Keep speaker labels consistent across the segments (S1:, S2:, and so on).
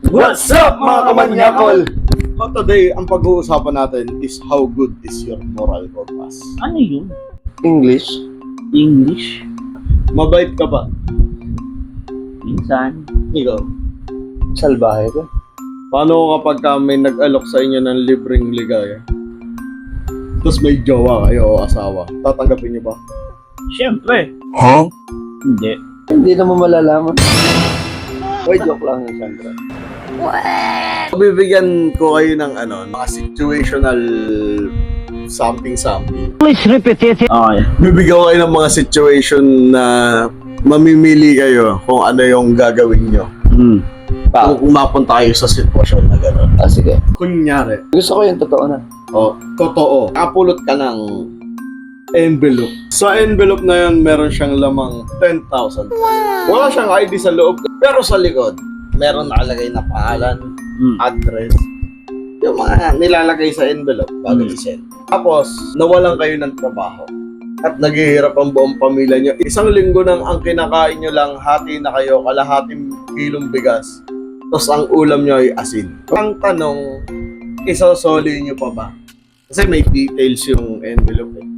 S1: What's up mga kamanyakol? So today, ang pag-uusapan natin is how good is your moral compass.
S2: Ano yun?
S3: English?
S2: English?
S1: Mabait ka ba?
S2: Minsan.
S1: Ikaw?
S3: Salbahe ka?
S1: Paano kapag may nag-alok sa inyo ng libreng ligaya? Tapos may jowa kayo o asawa, tatanggapin niyo ba?
S2: Siyempre.
S3: Huh?
S2: Hindi.
S3: Hindi naman malalaman. Boy, joke lang yun, Sandra.
S1: Bibigyan ko kayo ng mga situational something.
S2: Please repeat it. Okay.
S1: Bibigyan ko kayo ng mga situation na mamimili kayo kung ano yung gagawin nyo. Kung mapunta kayo sa sitwasyon na gano'n.
S3: Ah, sige.
S1: Kunyari,
S3: Gusto ko yung totoo na.
S1: totoo, kapulot ka ng envelope. Sa envelope na yun, meron siyang lamang 10,000. Wala siyang ID sa loob, pero sa likod, meron nakalagay na pangalan, address, yung mga nilalagay sa envelope bago i-send. Tapos, nawalan kayo ng trabaho at naghihirap ang buong pamilya nyo. Isang linggo nang ang kinakain nyo lang, hati na kayo, kalahating kilong bigas. Tapos ang ulam nyo ay asin. Ang tanong, isosoli nyo pa ba? Kasi may details yung envelope eh.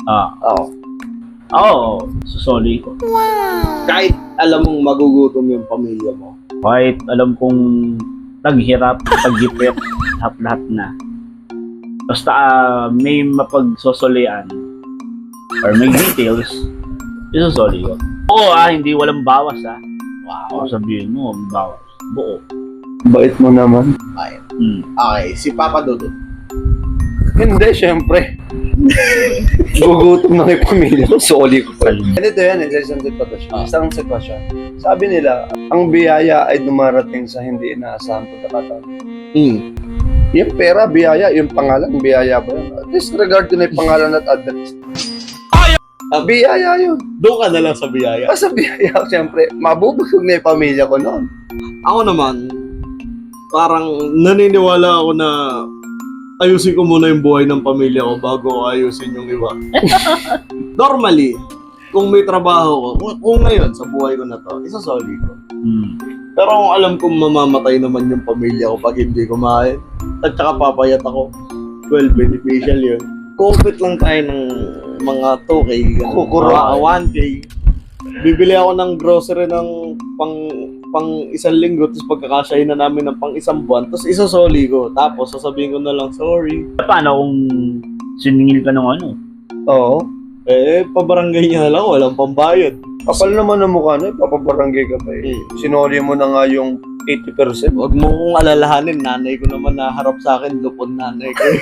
S3: Oo.
S2: Susoli ko.
S1: Kahit alam mong magugutom yung pamilya mo.
S2: Kahit alam kong taghirap, paghipit, lahat na. Basta may mapagsosolian or may details, isusoli ko. Oo hindi walang bawas Wow. Sabihin mo, bawas. Buo.
S3: Bait mo naman.
S1: Okay, si Papa Dudut.
S3: Hindi, syempre. Gugutom na yung pamilya ko. Soli ko pa. Ganito yan, isang sitwasyon. Isang sitwasyon. Sabi nila, ang biyaya ay dumarating sa hindi inaasahang pagkakataon. Yung pera, biyaya. Yung pangalan, biyaya ba yun? Disregard ko na yung pangalan at address. Biyaya yun.
S1: Doon ka na lang sa biyaya.
S3: Sa biyaya, syempre, mabubusog na yung pamilya ko noon.
S1: Ako naman, parang naniniwala ako na ayusin ko muna yung buhay ng pamilya ko bago ko ayusin yung iba. Normally, kung may trabaho ko, kung ngayon sa buhay ko na to, isasoli ko. Pero kung alam kong mamamatay naman yung pamilya ko pag hindi kumain, at saka papayat ako, well, beneficial yun. Compete lang tayo ng mga 2K,
S3: Kukura.
S1: 1K. Bibili ako ng grocery ng pang isang linggo, tapos pagkakasyahin na namin ng pang isang buwan, tapos isosoli ko. Tapos sasabihin ko na lang, sorry.
S2: Paano kung siningil ka ng ano?
S3: Oo.
S1: Pabarangay niya na lang, walang pambayad.
S3: Kapal naman ang mukha na, papabarangay ka pa eh. Sinoli mo na nga yung 80%.
S1: Huwag mo kong alalahanin, nanay ko naman na harap sa akin, lupon nanay ko.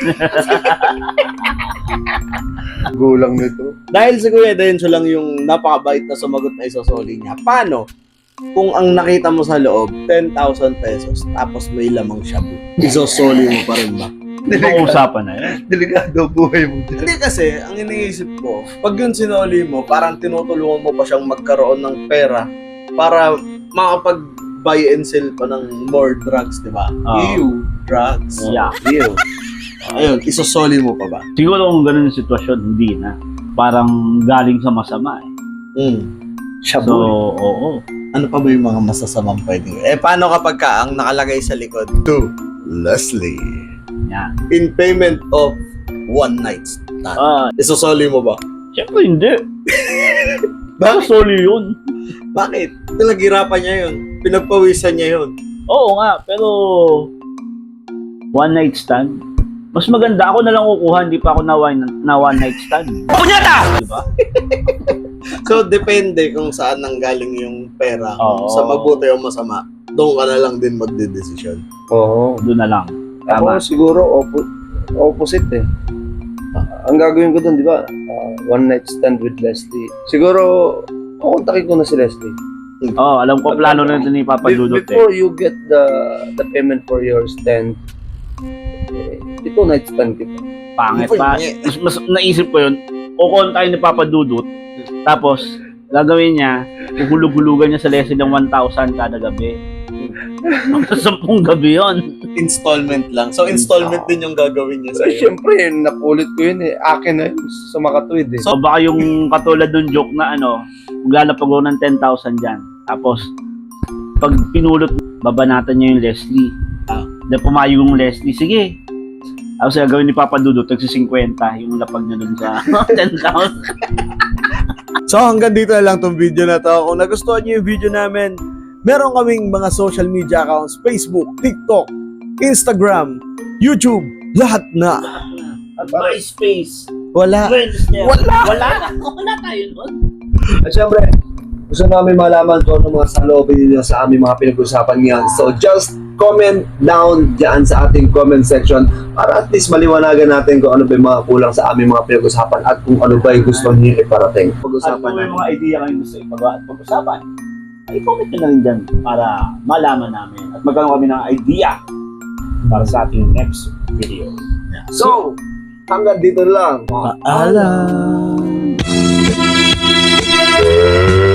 S3: Gulang nito.
S1: Dahil si Kuya Denso lang yung napakabait na sumagot na isosoli niya. Paano? Kung ang nakita mo sa loob, 10,000 pesos, tapos may lamang shabu, isosoli mo pa rin ba?
S2: Pag-uusapan na yan.
S3: Delikado buhay mo.
S1: Hindi kasi, ang iniisip ko, pag yun sinoli mo, parang tinutulungan mo pa siyang magkaroon ng pera para makapag-buy and sell pa ng more drugs, di ba? Ew, drugs.
S2: Yeah.
S1: Ew. Ayun, isosoli mo pa ba?
S2: Siguro kung ganun yung sitwasyon, hindi na. Parang galing sa masama
S3: Shabu.
S2: So, oo.
S1: Ano pa ba yung mga masasamang pwedeng? Paano kapag ang nakalagay sa likod? To Leslie.
S2: Yan.
S1: In payment of one night stand. Isosoli mo ba?
S2: Siyempre hindi. Bakit soli yun?
S1: Bakit? Pinaghirapan niya yun. Pinagpawisan niya yun.
S2: Oo nga, pero one night stand. Mas maganda ako na lang kukuha, hindi pa ako na one night stand. Punyata! Diba?
S1: So, depende kung saan nanggaling yung pera. Kung
S2: Oo.
S1: sa mabuti o masama, doon ka na lang din magdedesisyon.
S3: Oo.
S2: Doon na lang.
S3: Ako
S2: Tama.
S3: siguro opposite eh. Ang gagawin ko doon, di ba? One night stand with Leslie. Siguro, kukontakin ko na si Leslie.
S2: Oo, alam ko plano na ito ni Papa Dudut
S3: Before you get the payment for your stand, ito night stand kita.
S2: Pangit pa. Mas naisip ko yun, kukontakin ni Papa Dudut, tapos gagawin niya, uhulug-hulugan niya sa lesson ng 1,000 kada gabi. Sa 10 gabi yun.
S1: Installment lang. So, installment din yung gagawin niya
S3: So,
S1: sa'yo.
S3: syempre, napulit ko yun eh. Akin na yun sa makatuwid eh.
S2: So baka yung katulad ng joke na maglalapag ako ng 10,000 dyan. Tapos, pag pinulot, babanatan niya yung Leslie. Dahil pumayong yung Leslie, sige. Tapos gagawin ni Papa Dudut, tagsi-50 yung lapag na dun sa 10,000.
S1: So hanggang dito na lang tong video na to. Kung nagustuhan niyo yung video namin, meron kaming mga social media accounts, Facebook, TikTok, Instagram, YouTube, lahat na.
S2: At MySpace.
S1: Wala.
S2: Friendster.
S1: Wala.
S2: Wala tayo nun.
S3: At syempre, gusto namin malaman kung ano mga saloobin ninyo sa aming mga pinag-usapan ngayon. So just comment down dyan sa ating comment section para at least maliwanagan natin kung ano ba yung mga kulang sa aming mga pinag-usapan at kung ano ba yung gusto niyo iparating.
S2: At
S3: Pag-usapan
S2: kung may
S3: natin.
S2: mga idea kayo gusto ipagawa at pag-usapan, ay comment nyo na rin dyan para malaman namin at magkaroon kami ng idea para sa ating next video.
S3: So, hanggang dito lang.
S1: Paalam.